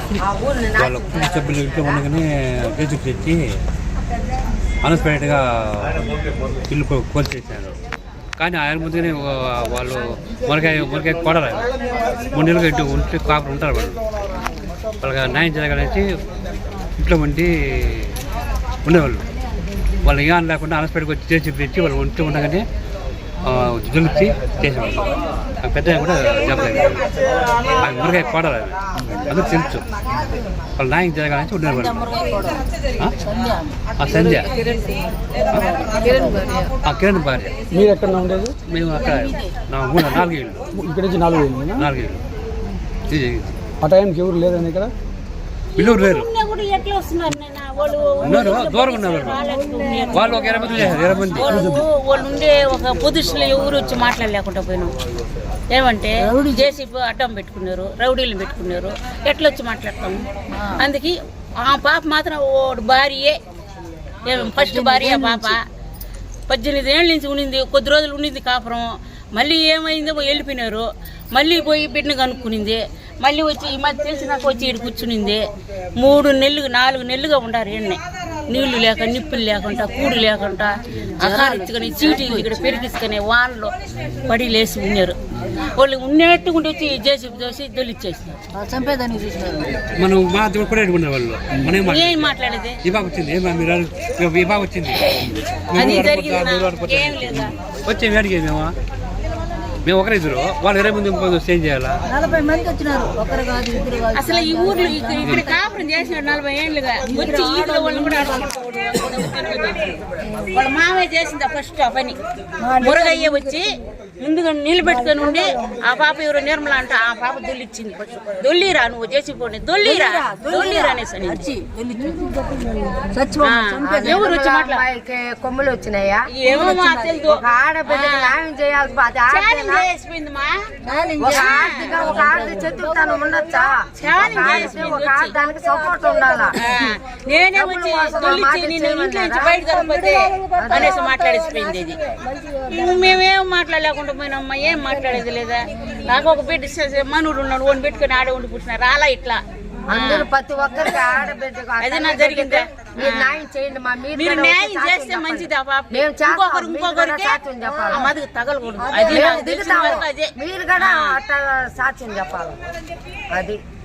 వాళ్ళ కుటుంబ సభ్యులు ఇంట్లో ఉండగానే కేసుకు తెచ్చి అన్ఎక్స్పెక్టెడ్గా ఇల్లు కోల్చేసారు. కానీ ఆయన ముందుగానే వాళ్ళు మొరకాయ కొడరు. 3 నెలలుగా ఇంటి ఉంటే కాపులు ఉంటారు. వాళ్ళకి న్యాయం జరగాలని ఇంట్లో ఉండి ఉండేవాళ్ళు. వాళ్ళు ఏం లేకుండా అన్ఎక్స్పెక్టెడ్గా వచ్చి చేసి తెచ్చి వాళ్ళు ఉంటూ ఉండగానే దులిపి చేసేవాళ్ళు. పెద్ద కూడా చెప్పలేదు. ఆయన మురకాయ కొడాలి అందరూ తెలుసు. వాళ్ళు న్యాయం జరగాలని ఉండేవాళ్ళు. సంధ్య కిరణ్ భార్య. మీరు ఎక్కడ ఉండేది? మేము అక్కడ 4 ఏళ్ళు. ఇక్కడ నుంచి 4 ఏళ్ళు. 4 ఏళ్ళు. ఆ టైంకి ఎవరు లేదని ఇక్కడ పిల్లలు లేరు, ఉన్నారు, దూరం ఉన్నారు. వాళ్ళు ఒక 20 మంది చేశారు. 20 మంది వాళ్ళు ఉండే ఒక పొజిషన్లో ఎవరు వచ్చి మాట్లాడలేకుండా పోయినాం. ఏమంటే జేసీబీ అడ్డం పెట్టుకున్నారు, రౌడీలు పెట్టుకున్నారు. ఎట్లా వచ్చి మాట్లాడతాము? అందుకే ఆ పాప మాత్రం ఓడి భార్యే, ఫస్ట్ భార్య పాప 18 ఏళ్ళ నుంచి ఉండింది. కొద్ది రోజులు ఉండింది కాపురం. మళ్ళీ ఏమైందో వెళ్ళిపోయినారు. మళ్ళీ పోయి బిడ్డను కనుక్కునింది. మళ్ళీ వచ్చి ఈ మధ్య తెలిసినాక వచ్చి ఇక్కడ కూర్చునింది. 3 నెలలు 4 నెలలుగా ఉండారు. ఎన్నే నీళ్లు లేక, నిప్పులు లేకుండా, కూడు లేకుండా, అకారిచ్చుకొని చీటీలు ఇక్కడ పెరిగిసుకొని వానలో పడి లేసి ఉన్నారు. వాళ్ళు ఉన్నట్టు ఉండి వచ్చి జేసీబీ దోసి దొలిచ్చేసినారు. మనం వాళ్ళు ఏం మాట్లాడేది? వచ్చింది అది జరిగింది ఏం లేదా? వచ్చే వేడికి మేము ఒకరిద్దరు, వాళ్ళు 20 మంది ఏం చేయాలా? 40 మంది వచ్చినారు. అసలు ఈ ఊర్లో ఇక్కడ కాపురం చేసినాడు 40 ఏళ్ళుగా. వచ్చి ఈదుల వాళ్ళని కూడా వాళ్ళ మామయ్య చేసింది ఫస్ట్ ఆ పని. మురగయ్య వచ్చి ముందుగా నిలబెట్టుకొని ఉండి ఆ పాప ఎవరు నిర్మల అంట, ఆ పాప దొల్లిచ్చింది. దొల్లిరా నువ్వు చేసి పోనీ, దొల్లిరా అనేసి ఎవరు వచ్చి కొమ్ములు వచ్చినాయా? ఏమో మా తెలుసు. ఆడబిడ్డకి న్యాయం చేయాల్సి ఒక ఆడది చతుర్థానం ఉండొచ్చా? ఒక ఆడదానికి సపోర్ట్ ఉండాలా? నేనే వచ్చి దొల్లిచ్చి నేను ఇంట్లో నుంచి బయట కలపతే అనేసి మాట్లాడేసిపోయింది. ఇది మేమేం మాట్లాడలేకుండా పోయినమ్మా, ఏం మాట్లాడేది లేదా? నాకు ఒక బిడ్డ మనూడు ఉన్నాడు, ఓన్ పెట్టుకుని ఆడే ఉండి పుట్టినారు. అలా ఇట్లా అందరూ ప్రతి ఒక్కరికి ఆడబిడ్డకు అదే నా జరిగిందా? న్యాయం చేయండి. మీరు న్యాయం చేస్తే మంచిది. ఆ పాప ఇంకొకరికి మదికి తగలకూడదు. అది మీరు కూడా అట్లా సాక్ష్యం చెప్పాలి. అది